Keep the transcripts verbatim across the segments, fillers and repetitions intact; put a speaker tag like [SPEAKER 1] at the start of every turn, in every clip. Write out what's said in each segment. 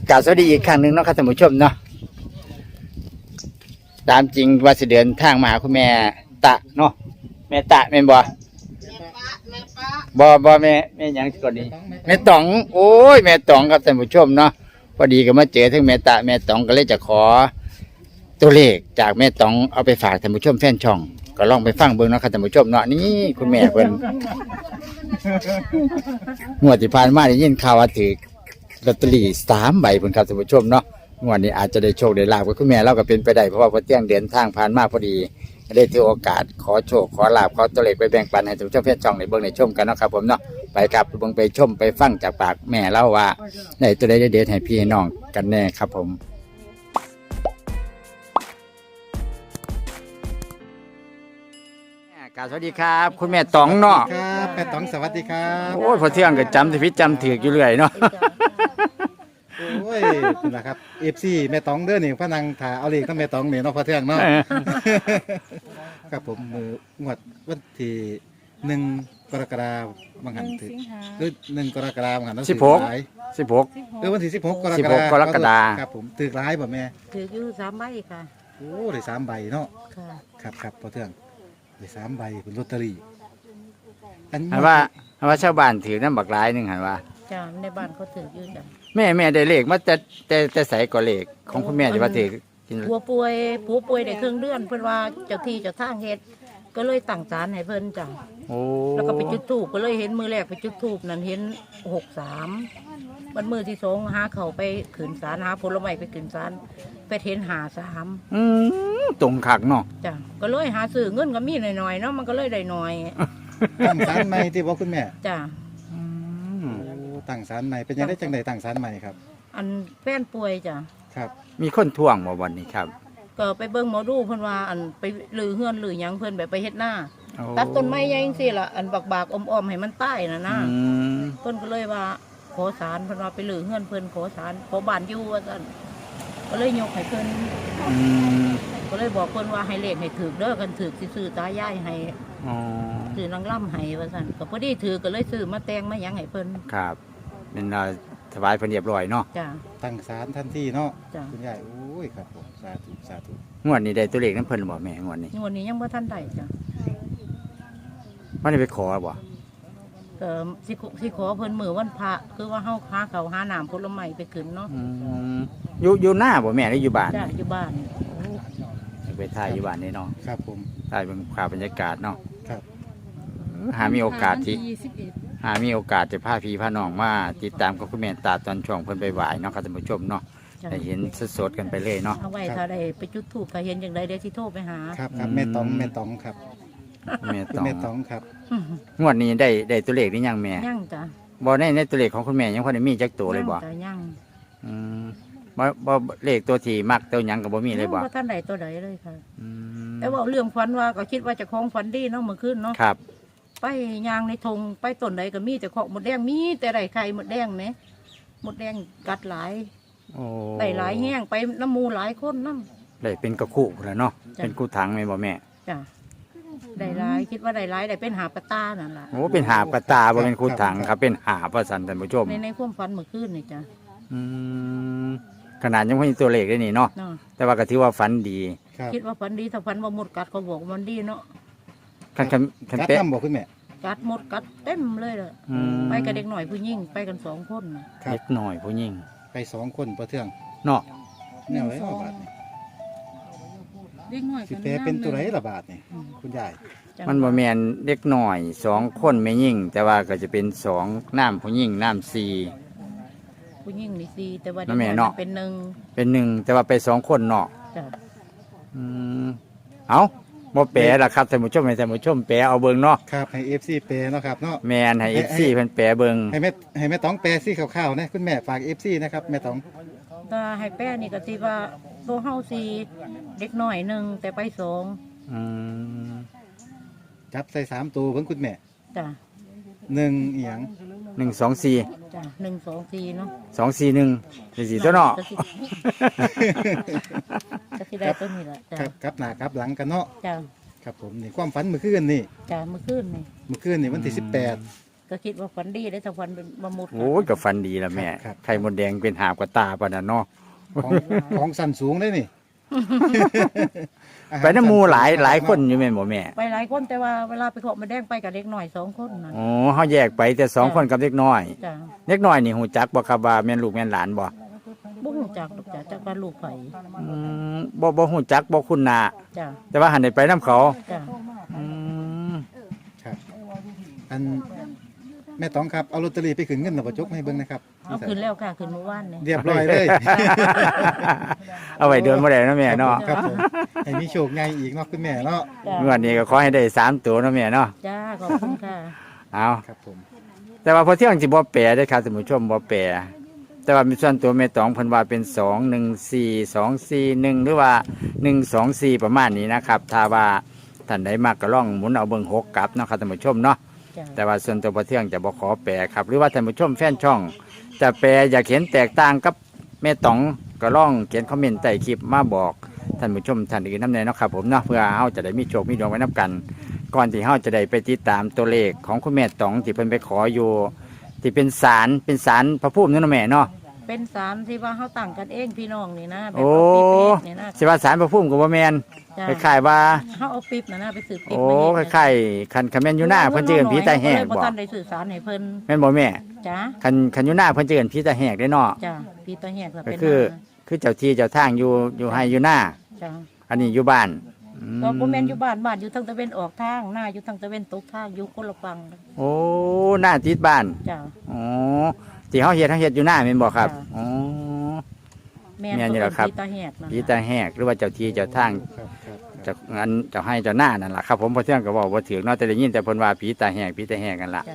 [SPEAKER 1] กล่าวสวัสดีอีกครั้งหนึ่งเนาะครับท่านผู้ชมเนาะตามจริงว่าสิเดินทางมาหาคุณแม่ตะเนาะแม่ตะแม่นบ่บ่บ่แม่แม่หยังก่อนนี้แม่ต๋องโอ้ยแม่ต๋องครับท่านผู้ชมเนาะพอดีก็มาเจอทั้งแม่ตะแม่ต๋องก็เลยจะขอตัวเลขจากแม่ต๋องเอาไปฝากท่านผู้ชมแฟนช่องก็ลองไปฟังเบิ่งเนาะครับท่านผู้ชมเนาะนี่คุณแม่เพิ่นงวดที่ผ่านมาได้ยินข่าวว่าถือลอตเตอรี่สามใบเพิ่นครับท่านผู้ชมเนาะงวดนี้อาจจะได้โชคได้ลาภกับคุณแม่เราก็เป็นไปได้เพราะว่าพอเที่ยงเดินทางผ่านมาพอดีได้ถือโอกาสขอโชคขอลาภขอตัวเลขไปแบ่งปันให้ท่านผู้ชมแฟนช่องในเบิ่งในชมกันเนาะครับผมเนาะไปครับไปเบิ่งไปชมไปฟังจากปากแม่เล่าว่าได้ตัวใดเด็ดๆให้พี่ให้น้องกันแน่ครับผมกราบสวัสดีครับคุณแม่ต๋องเนาะ
[SPEAKER 2] ครับแม่ต๋องสวัสดีครับ
[SPEAKER 1] โอ้ยพอเที่ยงก็จำสิพิจำถืออยู่เรื่อยเนาะ
[SPEAKER 2] โอ้ยนี่แหละครับเอฟซีแม่ต๋องเด้อนี่พระนางถ่าเอาเลขทั้งแม่ต๋องนี่เนาะพอเที่ยงเนาะครับผมมืองวดวันที่หนึ่งกรกฎาคมบางหันถือคือหนึ่งกรกฎาคมบางหันต้อง
[SPEAKER 1] สิบหก
[SPEAKER 2] หลาย
[SPEAKER 1] สิบหก
[SPEAKER 2] เออวันที่สิบหกกร
[SPEAKER 1] สิ
[SPEAKER 2] ก
[SPEAKER 1] บห
[SPEAKER 2] ฎาก คม
[SPEAKER 1] กรกฎาคม
[SPEAKER 2] ครับผมถือร้ายบ่แม่
[SPEAKER 3] ถืออยู่สามใบค่ะ
[SPEAKER 2] โอ้ได้สามใบเนาะ
[SPEAKER 3] ค่ะ
[SPEAKER 2] ครับครับพอเที่ยงได้สามใบเป็นลอตเตอรี่อัน
[SPEAKER 1] หันว่าหันว่าชาวบ้านถือน้ำบักหลายหนึงหันว่า
[SPEAKER 3] จ้าในบ้านเขาถืออยู่จ้ะ
[SPEAKER 1] แม่แม่ได้เลขมาแต่แต่แต่ใส่ก่อเลขของคุณแม่ที่ว่าถือกิน
[SPEAKER 3] ผัวป่วยผัวป่วยได้ครึ่งเดือนเพิ่นว่าเจ้าที่เจ้าทางเฮ็ดก็เลยตั้งศาลให้เพิ่นจ้ะ
[SPEAKER 1] โอ้
[SPEAKER 3] แล้วก็ไปจุดธูปก็เลยเห็นมือแรกไปจุดธูปนั่นเห็นหกสามวันมือที่สองหาเขาไปขืนศาลหาผลไม้ไปขืนศาลไปเห็นหาสาม
[SPEAKER 1] อืมตรงคักเนาะ
[SPEAKER 3] จ้ะก็เลยหาซื้อเงินก็มีหน่อยๆเนาะมันก็เลยได้หน่อย
[SPEAKER 2] ตั้งศาลใหม่ที่บอกคุณแม่
[SPEAKER 3] จ้ะ
[SPEAKER 1] อืม
[SPEAKER 2] โอ้ตั้งศาลใหม่เป็นยังไงจังไดตั้งศาลใหม่ครับ
[SPEAKER 3] อันแฟนป่วยจ้ะ
[SPEAKER 2] ครับ
[SPEAKER 1] มีคนท่วงบ่วันนี้ครับ
[SPEAKER 3] ก็ไปเบิ่งหมอดูเพิ่นว่าอันไปลือเฮือนลือหยังเพิ่นแบบไปเฮ็ดหน้า
[SPEAKER 1] โอ้
[SPEAKER 3] ตัดต้นไม้ใหญ่จังซี่ล่ะอันบากๆอมๆให้มันตายน่ะนะ
[SPEAKER 1] อืม
[SPEAKER 3] เพิ่นก็เลยว่าขอศาลเพิ่นว่าไปลือเฮือนเพิ่นขอศาลขอบ้านอยู่ว่าซั่นก็เลยยกให้เพิ่น
[SPEAKER 1] อืม
[SPEAKER 3] ก็เลยบอกเพิ่นว่าให้เลขให้ถูกเด้อกันถูกสิซื้อตายายให้
[SPEAKER 1] อ๋อ
[SPEAKER 3] ซื้อนางล่ำให้ว่าซั่นก็พอดีถือก็เลยซื้อมาแต่งมาหยังให้เพิ่น
[SPEAKER 1] ครับเป็นเราถวายเพิ่นเรียบร้อยเนาะ
[SPEAKER 3] จ้ะ
[SPEAKER 2] ตั้งศาลทันทีเนาะ
[SPEAKER 3] จ้ะ
[SPEAKER 2] คุณยายโอ้ยครับผมสาธุสาธุ
[SPEAKER 1] งวดนี้ได้ตัวเลขนั้นเพิ่นบ่แม่งวดนี้
[SPEAKER 3] งวดนี้ยังบ่ทันได้จ้ะ
[SPEAKER 1] มันได้ไปขอบ่
[SPEAKER 3] ก็สิขอสิขอเพิ่นมื้อวันพระคือว่าเฮาหาข้าวหาน้ำผลไม้ไปขึ้นเนาะ
[SPEAKER 1] อืมอยู่อยู่หน้าบ่แม่หรืออยู่บ้าน
[SPEAKER 3] จ้ะอยู่บ้าน
[SPEAKER 1] ไปถ่ายอยู่บ้านนี่เนาะ
[SPEAKER 2] ครับผม
[SPEAKER 1] ถ่ายเป็นภาพบรรยากาศเนาะ
[SPEAKER 2] ครับ
[SPEAKER 1] หามีโอกาสที่หามีโอกาสจะพาพี่พาน้องมาติดตามกับคุณแม่ตาตอนช่วงเพิ่นไปไหวเนาะครับท่านผู้ชมเนาะ
[SPEAKER 3] จ้ะ
[SPEAKER 1] ได้เห็นสดๆกันไปเลยเนาะ
[SPEAKER 3] เอาไว้ถ้าได้ไปจุดธูปถ้าเห็นอย่างใดเดี๋ยวสิโทรไปหา
[SPEAKER 2] ครับครับ
[SPEAKER 1] อืม
[SPEAKER 2] แม่ต๋องแม่ต๋องครับ
[SPEAKER 1] แม่
[SPEAKER 2] คุณ
[SPEAKER 1] ต้อง
[SPEAKER 2] แม่ต๋องครับ
[SPEAKER 1] งวดนี้ได้ได้ตัวเลขนี่ยังแม่
[SPEAKER 3] ย่างจ้ะ
[SPEAKER 1] บ่ได้ในตัวเลขของคุณแม่ยังพอได้มีจักตัวเลยบ่
[SPEAKER 3] งจ้ะย่าง
[SPEAKER 1] อืมบ่บ่เลขตัวที่มักตัวหยังก็บ่มีเลยบ่
[SPEAKER 3] ว่าท่านใดตัวใดเลยค่ะ
[SPEAKER 1] อืม
[SPEAKER 3] แต่ว่าเรื่องฝันว่าก็คิดว่าจะคล้องฝันดีเนาะเมื่อคืนเนาะ
[SPEAKER 1] ครับ
[SPEAKER 3] ไปยางในธงไปต้นใดก็มีแต่ของหมดแดงมีแต่ไรไข่หมดแดงไหมหมดแดงกัดหลาย
[SPEAKER 1] โอ้
[SPEAKER 3] ได้หลายแห้งไปน้ำหมูหลายคนน้
[SPEAKER 1] ได้เป็นกระคุพุ่นล่ะเนาะ
[SPEAKER 3] จ้ะ
[SPEAKER 1] เป็นกูถังแม่นบ่แม่
[SPEAKER 3] ำจ้ะได้หลายคิดว่าได้หลายได้เป็นหาปลาตานั่นแหละ
[SPEAKER 1] โอ้เป็นหาบกระตาบ่เป็นกูถังครับเป็นหาบว่าซั่นท่านผู้ชม
[SPEAKER 3] ในในความฝันเมื่อคืนนี่จ้ะ
[SPEAKER 1] อืมขนาดยังไม่มีตัวเลขเลยนี่เนาะ
[SPEAKER 3] เนาะ
[SPEAKER 1] แต่ว่าก็ถือว่าฝันดี
[SPEAKER 2] ครับ
[SPEAKER 3] คิดว่าฝันดีถ้าฝันว่าหมดกัดเขาบอกว่ามันดีเนาะ
[SPEAKER 1] คันคันคัน
[SPEAKER 2] กัด
[SPEAKER 1] เป๊ะ
[SPEAKER 2] น้ำบอกคุณแม่
[SPEAKER 3] กัดหมดกัดเต็มเลยเลย
[SPEAKER 1] อืม
[SPEAKER 3] ไปกับเด็กหน่อยผู้หญิงไปกันสองคนน่ะ
[SPEAKER 2] ครับ
[SPEAKER 1] เล็กหน่อยผู้หญิง
[SPEAKER 2] ไปสองคนประเทือง
[SPEAKER 1] เนาะ
[SPEAKER 2] แนวไรละบาทนี่
[SPEAKER 3] เด็กหน่อย
[SPEAKER 2] สิแปลเป็นตัวไรละบาทนี่คุณยาย
[SPEAKER 1] มันบ่แม่นเด็กหน่อยสองคนไม่ยิ่ง แต่ว่าก็จะเป็นสองน้ำผู้หญิงน้ำสี่
[SPEAKER 3] ผู้หญิงนี่สี่แต่ว่าเด็
[SPEAKER 1] นั่
[SPEAKER 3] ก
[SPEAKER 1] นแม่
[SPEAKER 3] น้อย
[SPEAKER 1] เนาะ
[SPEAKER 3] เป็นหนึ่ง
[SPEAKER 1] เป็นหนึ่งแต่ว่าไปสองคนเนาะ
[SPEAKER 3] จ้ะ
[SPEAKER 1] อืมเอาบ่แปลล่ะครับท่านผู้ชมให้ท่านผู้ชมแปลเอาเบิ่งเนาะ
[SPEAKER 2] ครับให้เอฟซีแปลเนาะครับเนาะ
[SPEAKER 1] แม่นให้ เอฟ ซี เพิ่นแปลเบิ่ง
[SPEAKER 2] ให้แม่ให้แม่ต๋องแปลซี่ข่าวๆนะคุณแม่ฝากเอฟซีนะครับแม่ต๋อง
[SPEAKER 3] ก็ให้แป้นี่ก็สิว่าตัวเฮาสี่เด็กน้อยหนึ่งแต่ไปสอง
[SPEAKER 1] อืม
[SPEAKER 2] จับใส่สามตัวเพิ่งคุณแม่
[SPEAKER 3] จ้ะ
[SPEAKER 2] หนึ่งเอียง
[SPEAKER 1] หนึ่งสองสี่
[SPEAKER 3] จ้ะหนึ่งสองสี่เนาะ
[SPEAKER 1] สองสี่หนึ่งสี่สี่ตัวเนาะ
[SPEAKER 3] ก็สิก็สิได้ตัวนี้แหละจ้ะ
[SPEAKER 2] ครับครับหน้าครับหลังกันเนาะ
[SPEAKER 3] จ้ะ
[SPEAKER 2] ครับผมนี่ความฝันเมื่อคืนนี่
[SPEAKER 3] จ้ะเมื่อคืนนี่
[SPEAKER 2] เมื่อคืนนี่วันที่สิบแปด
[SPEAKER 3] ก็คิดว่าฝันดีได้ถ้าฝันเป็นมามุด
[SPEAKER 1] โอ้ยก็ฟันดีละแม่ไข่มดแดงเป็นหาบกับตาปะน่ะเนาะ
[SPEAKER 2] ของของสันสูงได้นี่
[SPEAKER 1] ไปน้ำหมูหลายหลายคนอยู่แม่นบ่แม่
[SPEAKER 3] ไปหลายคนแต่ว่าเวลาไปขอมาแดงไปกับเด็กหน่อยสองคนนั่น
[SPEAKER 1] อ๋อเฮาแยกไปแต่สองคนกับเด็กน้อย
[SPEAKER 3] จ้ะ
[SPEAKER 1] เด็กน้อยนี่ฮู้จักบ่ครับว่าแม่นลูกแม่นหลานบ่
[SPEAKER 3] บ่ฮู้จักดอกจ้ะจักว่าลูกไผ
[SPEAKER 1] อืมบ่บ่ฮู้จักบ่คุ้นหน้า
[SPEAKER 3] จ้ะ
[SPEAKER 1] แต่ว่าหันได้ไปนํเขา
[SPEAKER 3] จ้ะ
[SPEAKER 1] อืม
[SPEAKER 2] ครับอันแม่ตองครับเอาลอตเตอรี่ไปขึ้นเงินหน่ะบ่จกให้เบิ่งนะครับ
[SPEAKER 3] เอาขึ้นแล้วค่ะขึ้นเมื่อวานนี่
[SPEAKER 2] เรียบร้อยเลย
[SPEAKER 1] เอาไว้เดินบ่ได้เนาะแม่เนาะ
[SPEAKER 2] ครับผมให้มีโชคใหญ่อีกเนาะคุณแม่เนาะ
[SPEAKER 3] จ้ะ
[SPEAKER 1] งวดนี้ก็ขอให้ได้สามตัวเนาะแม่เนาะ
[SPEAKER 3] จ้าขอบคุณค่ะ
[SPEAKER 1] เอา
[SPEAKER 2] ครับผม
[SPEAKER 1] แต่ว่าพอเที่ยงสิบ่แปลได้อครับท่านผู้ชมบ่แปลแต่ว่ามีส่วนตัวแม่ตองเพิ่นว่าเป็นสองหนึ่งสี่ สองสี่หนึ่งหรือว่าหนึ่งสองสี่ประมาณนี้นะครับถ้าว่าท่านใดมากก็ลองหมุนเอาเบิ่งหกกลับเนาะครับท่านผู้ชมเนาะ
[SPEAKER 3] จ้ะ
[SPEAKER 1] แต่ว่าส่วนตัวพอเที่ยงจะบ่ขอแปลครับหรือว่าท่านผู้ชมแฟนช่องจะแปลอยากเห็นแตกต่างกับแม่ตองก็ลองเขียนคอมเมนต์ใต้คลิปมาบอกท่านผู้ชมท่านอื่นนำแน่เนาะครับผมเนาะเพื่อเฮาจะได้มีโชคมีดวงไว้นํกัน ก่อนที่เฮาจะได้ไปติดตามตัวเลขของคุณแม่ตองที่เพิ่นไปขออยู่ที่เป็นศาลเป็นศาลพระภูมินั่นเนาะแม่เนาะ
[SPEAKER 3] เป็นสารที่ว่าเขาตั้งกันเองพี่น้องนี่นะแบบ
[SPEAKER 1] โอ้
[SPEAKER 3] เอาปิ๊บเองนี่นะ
[SPEAKER 1] สิว่าศาลพระภูมิก็บ่แม่น
[SPEAKER 3] จ้ะ
[SPEAKER 1] คล้ายๆว่า
[SPEAKER 3] เขาเอาปิ๊บนะนะไปสืบปิ๊บ
[SPEAKER 1] โอ้
[SPEAKER 3] มา
[SPEAKER 1] คล้ายๆคันคันแม่นอยู่หน้าเพิ่นจะเอิ้นผีตาแหก
[SPEAKER 3] บ่
[SPEAKER 1] บ่
[SPEAKER 3] ทันได้สื่อสารให้เพิ่น
[SPEAKER 1] แม่นบ่แม่
[SPEAKER 3] จ้า
[SPEAKER 1] คันคันอยู่หน้าเพิ่นจะเอิ้นผีตาแหกได้เนาะ
[SPEAKER 3] จ้าพี่ตาแหกก็
[SPEAKER 1] ก็
[SPEAKER 3] เป็น
[SPEAKER 1] คือคือเจ้าที่เจ้าทางอยู่อยู่ให้อยู่หน้า
[SPEAKER 3] จ้า
[SPEAKER 1] อันนี้อยู่บ้านอืม
[SPEAKER 3] ก็บ่แม่นอยู่บ้านบ้านอยู่ทางตะเวนออกทางหน้าอยู่ทางตะเวนตกทางอยู่คนละฝั่ง
[SPEAKER 1] โอ้หน้าติดบ้าน
[SPEAKER 3] จ้า
[SPEAKER 1] อ๋อที่เฮาเฮ็ดเฮาเฮ็ดอยู่หน้าแม่นบ่ครับ
[SPEAKER 3] จ้ะ
[SPEAKER 1] อ๋อ
[SPEAKER 3] แม่
[SPEAKER 1] แม่นอยู่
[SPEAKER 3] ก็
[SPEAKER 1] แล้วครับ
[SPEAKER 3] พี่ตาแหกนั่น
[SPEAKER 1] ผีตาแหกหรือว่าเจ้าที่เจ้าทาง
[SPEAKER 2] ครับครับ
[SPEAKER 1] เจะอันเจ้าให้เจ้าหน้านั่นล่ะครับผมพอเที่ยงก็บอกว่าถือเนาะแต่ได้ยินแต่เพิ่นว่าผีตาแหกผีตาแหกกันล่ะ
[SPEAKER 3] จ้าง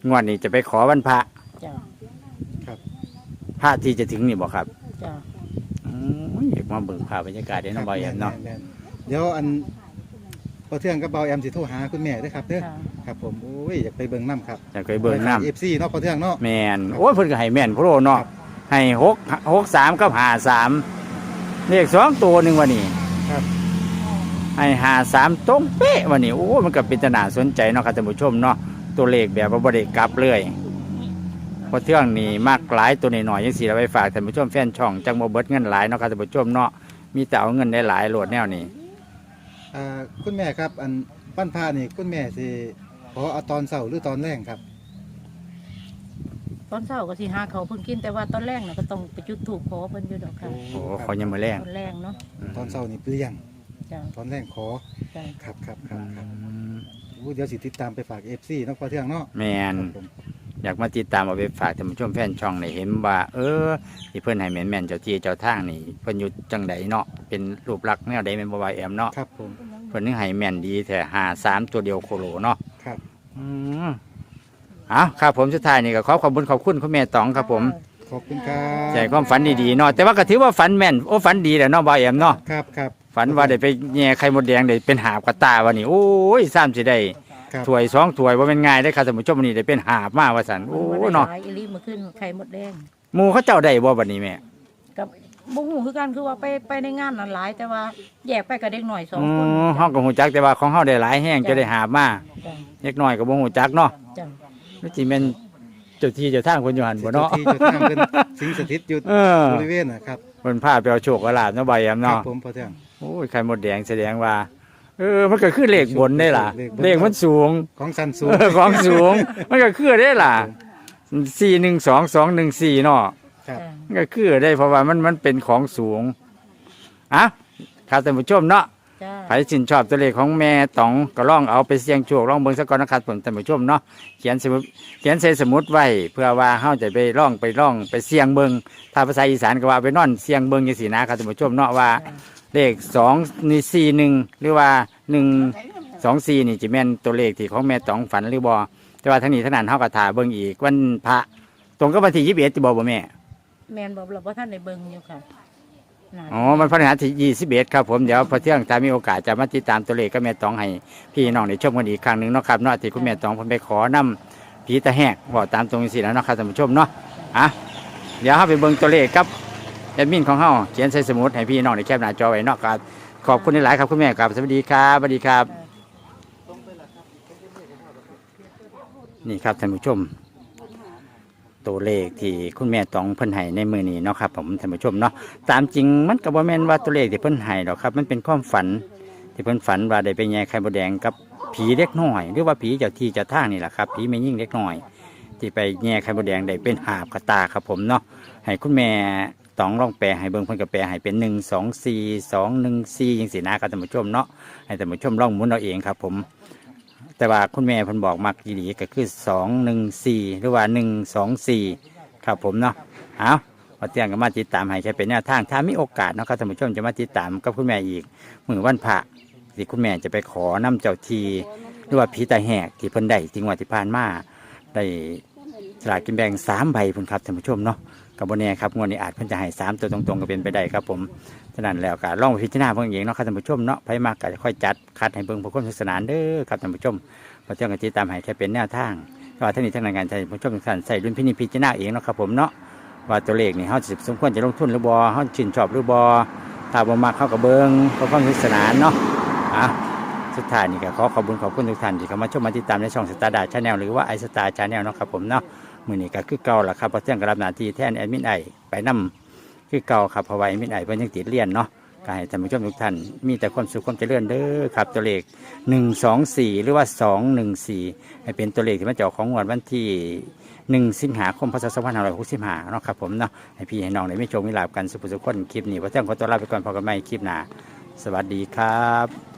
[SPEAKER 1] วดนี้จะไปขอวันพระ
[SPEAKER 3] จ้า
[SPEAKER 1] พระที่จะถึงนี่บ่ครับ
[SPEAKER 3] จ้า
[SPEAKER 1] อืมอยากมาเบิ่งภาพบรรยากาศได้เนาะบ่อยแอมเนาะ
[SPEAKER 2] แม่ๆเดี๋ยวอันพอเที่ยงกับเบาแอมสิโทรหาคุณแม่เด้วยครับเด้อ
[SPEAKER 3] ค่ะ
[SPEAKER 2] ครับผมโอ้ยอยากไปเบิ่งน้ำครับ
[SPEAKER 1] อยากไปเบิ่งน้ำ
[SPEAKER 2] เอฟซีเนาะพอเที่ยงเนาะ
[SPEAKER 1] แม่นโอ้ยเพิ่นก็ให้แม่นโพโรเนาะให้หกหกสามกับห้าสามเลขสองตัวหนึงวันนี้
[SPEAKER 2] ครับ
[SPEAKER 1] ให้ห้าสามตรงเป๊ะวันนี้โอ้มันก็เป็นตนาสนใจเนาะครับท่านผู้ชมเนาะตัวเลขแบบว่าบ่ได้กลับเลยเพราะเที่ยงนี่มากหลายตัวน้อยๆจังซี่เราไปฝากท่านผู้ชมแฟนช่องจังบ่เบิดเงินหลายเนาะครับท่านผู้ชมเนาะมีแต่เอาเงินได้หลายโหลดแนวนี้
[SPEAKER 2] อ่าคุณแม่ครับอันปั้นผ้านี่คุณแม่สิขอเอาตอนเสาร์หรือตอนแรงครับ
[SPEAKER 3] ตอนเช้าก็สิหาเขาวเพิ่นกินแต่ว่าตอนแรกน่ะก็ต้องไปจุดธูปขอเพิ่นอยู่ดอกค่ะ
[SPEAKER 1] โอ้เขายังมาแรง
[SPEAKER 3] ตอนแรกเนาะ
[SPEAKER 2] ตอนเสาร์นี่เปลี่ยน
[SPEAKER 3] จ้า
[SPEAKER 2] ตอนแรงขอ
[SPEAKER 3] จ้า
[SPEAKER 2] ครับครับค
[SPEAKER 1] อื
[SPEAKER 2] รับครับ
[SPEAKER 1] ม
[SPEAKER 2] โอ้เดี๋ยวสิติดตามไปฝากเอฟซีเนาะพอเที่ยงเนาะ
[SPEAKER 1] แมน
[SPEAKER 2] ครับผม
[SPEAKER 1] อยากมาติดตามเอาไปฝากท่านผู้ชมแฟนช่องในเห็นว่า เออที่เพิ่นให้แม่นแม่นๆเจ้าที่เจ้าทางนี่เพิ่นอยู่จังใดเนาะเป็นรูปลักษณ์แนวใดแม่นบ่ว่าแอมเนาะ
[SPEAKER 2] ครับผม
[SPEAKER 1] เพิ่นนึงให้แม่นดีแต่หาสามตัวเดียวโคโลเนาะ
[SPEAKER 2] ครับ
[SPEAKER 1] อืมเอาครับผมสุดท้ายนี่ก็ขอขอบคุณขอบคุณคุณแม่ตองครับผม
[SPEAKER 2] ขอบคุณครับ
[SPEAKER 1] ใจความฝันดีๆเนาะแต่ว่าก็ถือว่าฝันแม่นโอ้ฝันดีแหละเนาะบ่าวแอมเนาะ
[SPEAKER 2] ครับครับ
[SPEAKER 1] ฝันว่าได้ไปแย่ไข่มดแดงได้เป็นหาบกระตาวันนี้โอ้ยซ้ำสิได้
[SPEAKER 2] ครับ
[SPEAKER 1] ถ้วยสองถ้วยว่าเป็นง่ายได้อครับท่านผู้ชมวันนี้ได้เป็นหาบมาว่าสันโอ้
[SPEAKER 3] โอ้
[SPEAKER 1] เนาะ
[SPEAKER 3] หลายอีหลีมาขึ้นไข่มดแดง
[SPEAKER 1] หมูเขาเจ้าได้บ่บัดนี้แม่
[SPEAKER 3] กับบุ้งหูคือกันคือว่าไปไปในงานนั้นหลาย แต่ว่าแยกไปกับเด็กหน่อยสอง
[SPEAKER 1] อื
[SPEAKER 3] คน
[SPEAKER 1] มเฮาก็ฮู้จักแต่ว่าของเฮาได้หลายแห้งจะได้หาบมา
[SPEAKER 3] จ้า
[SPEAKER 1] เล็กน้อยก็บ่ฮู้จักเนาะ
[SPEAKER 3] จ้า
[SPEAKER 1] นี่สิแม่นเจ้าที่เจ้าทางเพิ่นอยู่หั่นบ่เนาะ
[SPEAKER 2] ที่จะทางเป็นสิงสถิตอยู่
[SPEAKER 1] เออบ
[SPEAKER 2] ริเวณนะครับ
[SPEAKER 1] เพิ่นพาไปเอาโชคเอาลาภเนาะบ่ายาม
[SPEAKER 2] ครั
[SPEAKER 1] เนาะ
[SPEAKER 2] บผมพอเที่ยง
[SPEAKER 1] โอ้ยไข่มดแดงแสดงว่า เออมันก็คือเลขบนได้ล่ะ
[SPEAKER 2] เลขบน
[SPEAKER 1] เลขมันสูง
[SPEAKER 2] ของสันสูง
[SPEAKER 1] เออของสูง มันก็คือได้ล่ะสี่หนึ่งสองสองหนึ่งสี่เนาะ
[SPEAKER 2] ครับ
[SPEAKER 3] จ้า
[SPEAKER 1] มันก็คือได้เพราะว่ามันมันเป็นของสูงอ่ะครับท่านผู้ชมเนาะ
[SPEAKER 3] จ้า
[SPEAKER 1] ใครชื่นชอบตัวเลขของแม่ต๋องก็ลองเอาไปเสี่ยงโชคลองเบิ่งสักก่อนนะครับผมท่านผู้ชมเนาะเขียนสมุดเขียนใส่สมุดไว้เพื่อว่าเฮาจะไปลองไปลองไปเสี่ยงเบิ่งถ้าภาษาอีสานก็ว่าไปนอนเสี่ยงเบิ่งจังซี่นะครับท่านผู้ชมเนาะว่าเลขสองนี่สี่หนึ่งหรือว่าหนึ่งสองสี่นี่จะแม่นตัวเลขที่ของแม่ต๋องฝันหรือบ่แต่ว่าทั้งนี้ทั้งนั้นเฮาก็ถ่าเบิ่งอีกวันพระตรงกับวันที่ยี่สิบเอ็ดที่บอกบ่แม่
[SPEAKER 3] แมนบอกเราว่าท่านในเบิงอยู่ค่ะน่าจะ
[SPEAKER 1] อ๋อ มันพฤหัสที่ยี่สิบเอ็ดครับผม เดี๋ยวพอเที่ยงถ้ามีโอกาสจะมาติดตามตัวเลขก็แม่ตองให้พี่น้องได้ชมกันอีกครั้งหนึ่งเนาะครับเนาะที่คุณแม่ตองเพิ่นไปขอนำผีตะแหกบอกตามตรงนี้สิแล้วเนาะครับท่านผู้ชมเนาะอ่ะเดี๋ยวเฮาไปเบิ่งตัวเลขครับแอดมินของเฮาเขียนใส่สมุดให้พี่น้องได้แคปหน้าจอไว้เนาะครับขอบคุณหลายๆครับคุณแม่ครับสวัสดีครับสวัสดีครับนี่ครับท่านผู้ชมตัวเลขที่คุณแม่ตองเพิ่นให้ในมือนี้เนาะครับผมท่านผู้ชมเนาะตามจริงมันก็บ่แม่นว่าตัวเลขที่เพิ่นให้หรอกครับมันเป็นความฝันที่เพิ่นฝันว่าได้ไปแย่ไข่มดแดงกับผีเล็กน้อยหรือว่าผีเจ้าที่เจ้าทางนี่แหละครับผีแม่ยิ่งเล็กน้อยที่ไปแย่ไข่มดแดงได้เป็นหาบกระตาครับผมเนาะให้คุณแม่ตองลองแปลให้เบิ่งเพิ่นก็แปลให้เป็นหนึ่งสองสี่สองหนึ่งสี่จังซี่นะครับท่านผู้ชมเนาะให้ท่านผู้ชมลองหมุนเอาเองครับผมแต่ว่าคุณแม่เพิ่นบอกมักดีๆก็คือสองหนึ่งสี่หรือว่าหนึ่งสองสี่ครับผมเนาะเอาพอเตียงก็มาติดตามให้แค่เป็นแนวทางถ้ามีโอกาสเนาะครับท่านผู้ชมจะมาติดตามกับคุณแม่อีกมื้อวันพระที่คุณแม่จะไปขอน้ำเจ้าทีหรือว่าผีตาแหกที่เพิ่นได้ที่งวดที่ผ่านมาได้สลากกินแบ่งสามใบพุ่นครับท่านผู้ชมเนาะกับโบเน่ครับงวดนี้อาจเพิ่นจะให้สามตัวตรงๆก็เป็นไปได้ครับผมฉะนั้นแล้วก็ลองไปพิจารณาเบิ่งเองเนาะครับท่านผู้ชมเนาะไผมากก็ค่อยจัดคัดให้เบิ่งเพื่อความสนุกสนานเด้อครับท่านผู้ชมพอเที่ยงกันติดตามให้แค่เป็นแนวทางก็ท่านนี้ทั้งในงานท่านผู้ชมทุกท่านใส่ดุลพินิจพิจารณาเองเนาะครับผมเนาะว่าตัวเลขนี่เฮาสิสมควรจะลงทุนหรือบ่เฮาชื่นชอบหรือบ่ถ้าบ่มักเฮาก็เบิ่งเพื่อความสนุกสนานเนาะอ่ะสุดท้ายนี่ก็ขอขอบคุณขอบคุณทุกท่านที่เข้ามาชมมาติดตามในช่องสตาร์ดาชาแนลหรือว่าไอสตาร์ชาแนลเนาะครับผมเนาะมื้อนี้ก็คือเก่าล่ะครับพอเที่ยงก็รับหน้าที่แทนแอดมินไอไปนำคือเก่าครับเพราะว่าแอดมินไอเพิ่นยังติดเรียนเนาะก็ให้ท่านผู้ชมทุกท่านมีแต่ความสุขความเจริญเด้อครับตัวเลขหนึ่งสองสี่หรือว่าสองหนึ่งสี่ให้เป็นตัวเลขที่มาจากของงวดวันที่หนึ่งสิงหาคมพศสองพันห้าร้อยหกสิบห้าเนาะครับผมเนาะให้พี่ให้น้องได้มีโชคมีลาภกันสุขสุขคนคลิปนี้พอเที่ยงขอตัวลาไปก่อนพบกันใหม่คลิปหน้าสวัสดีครับ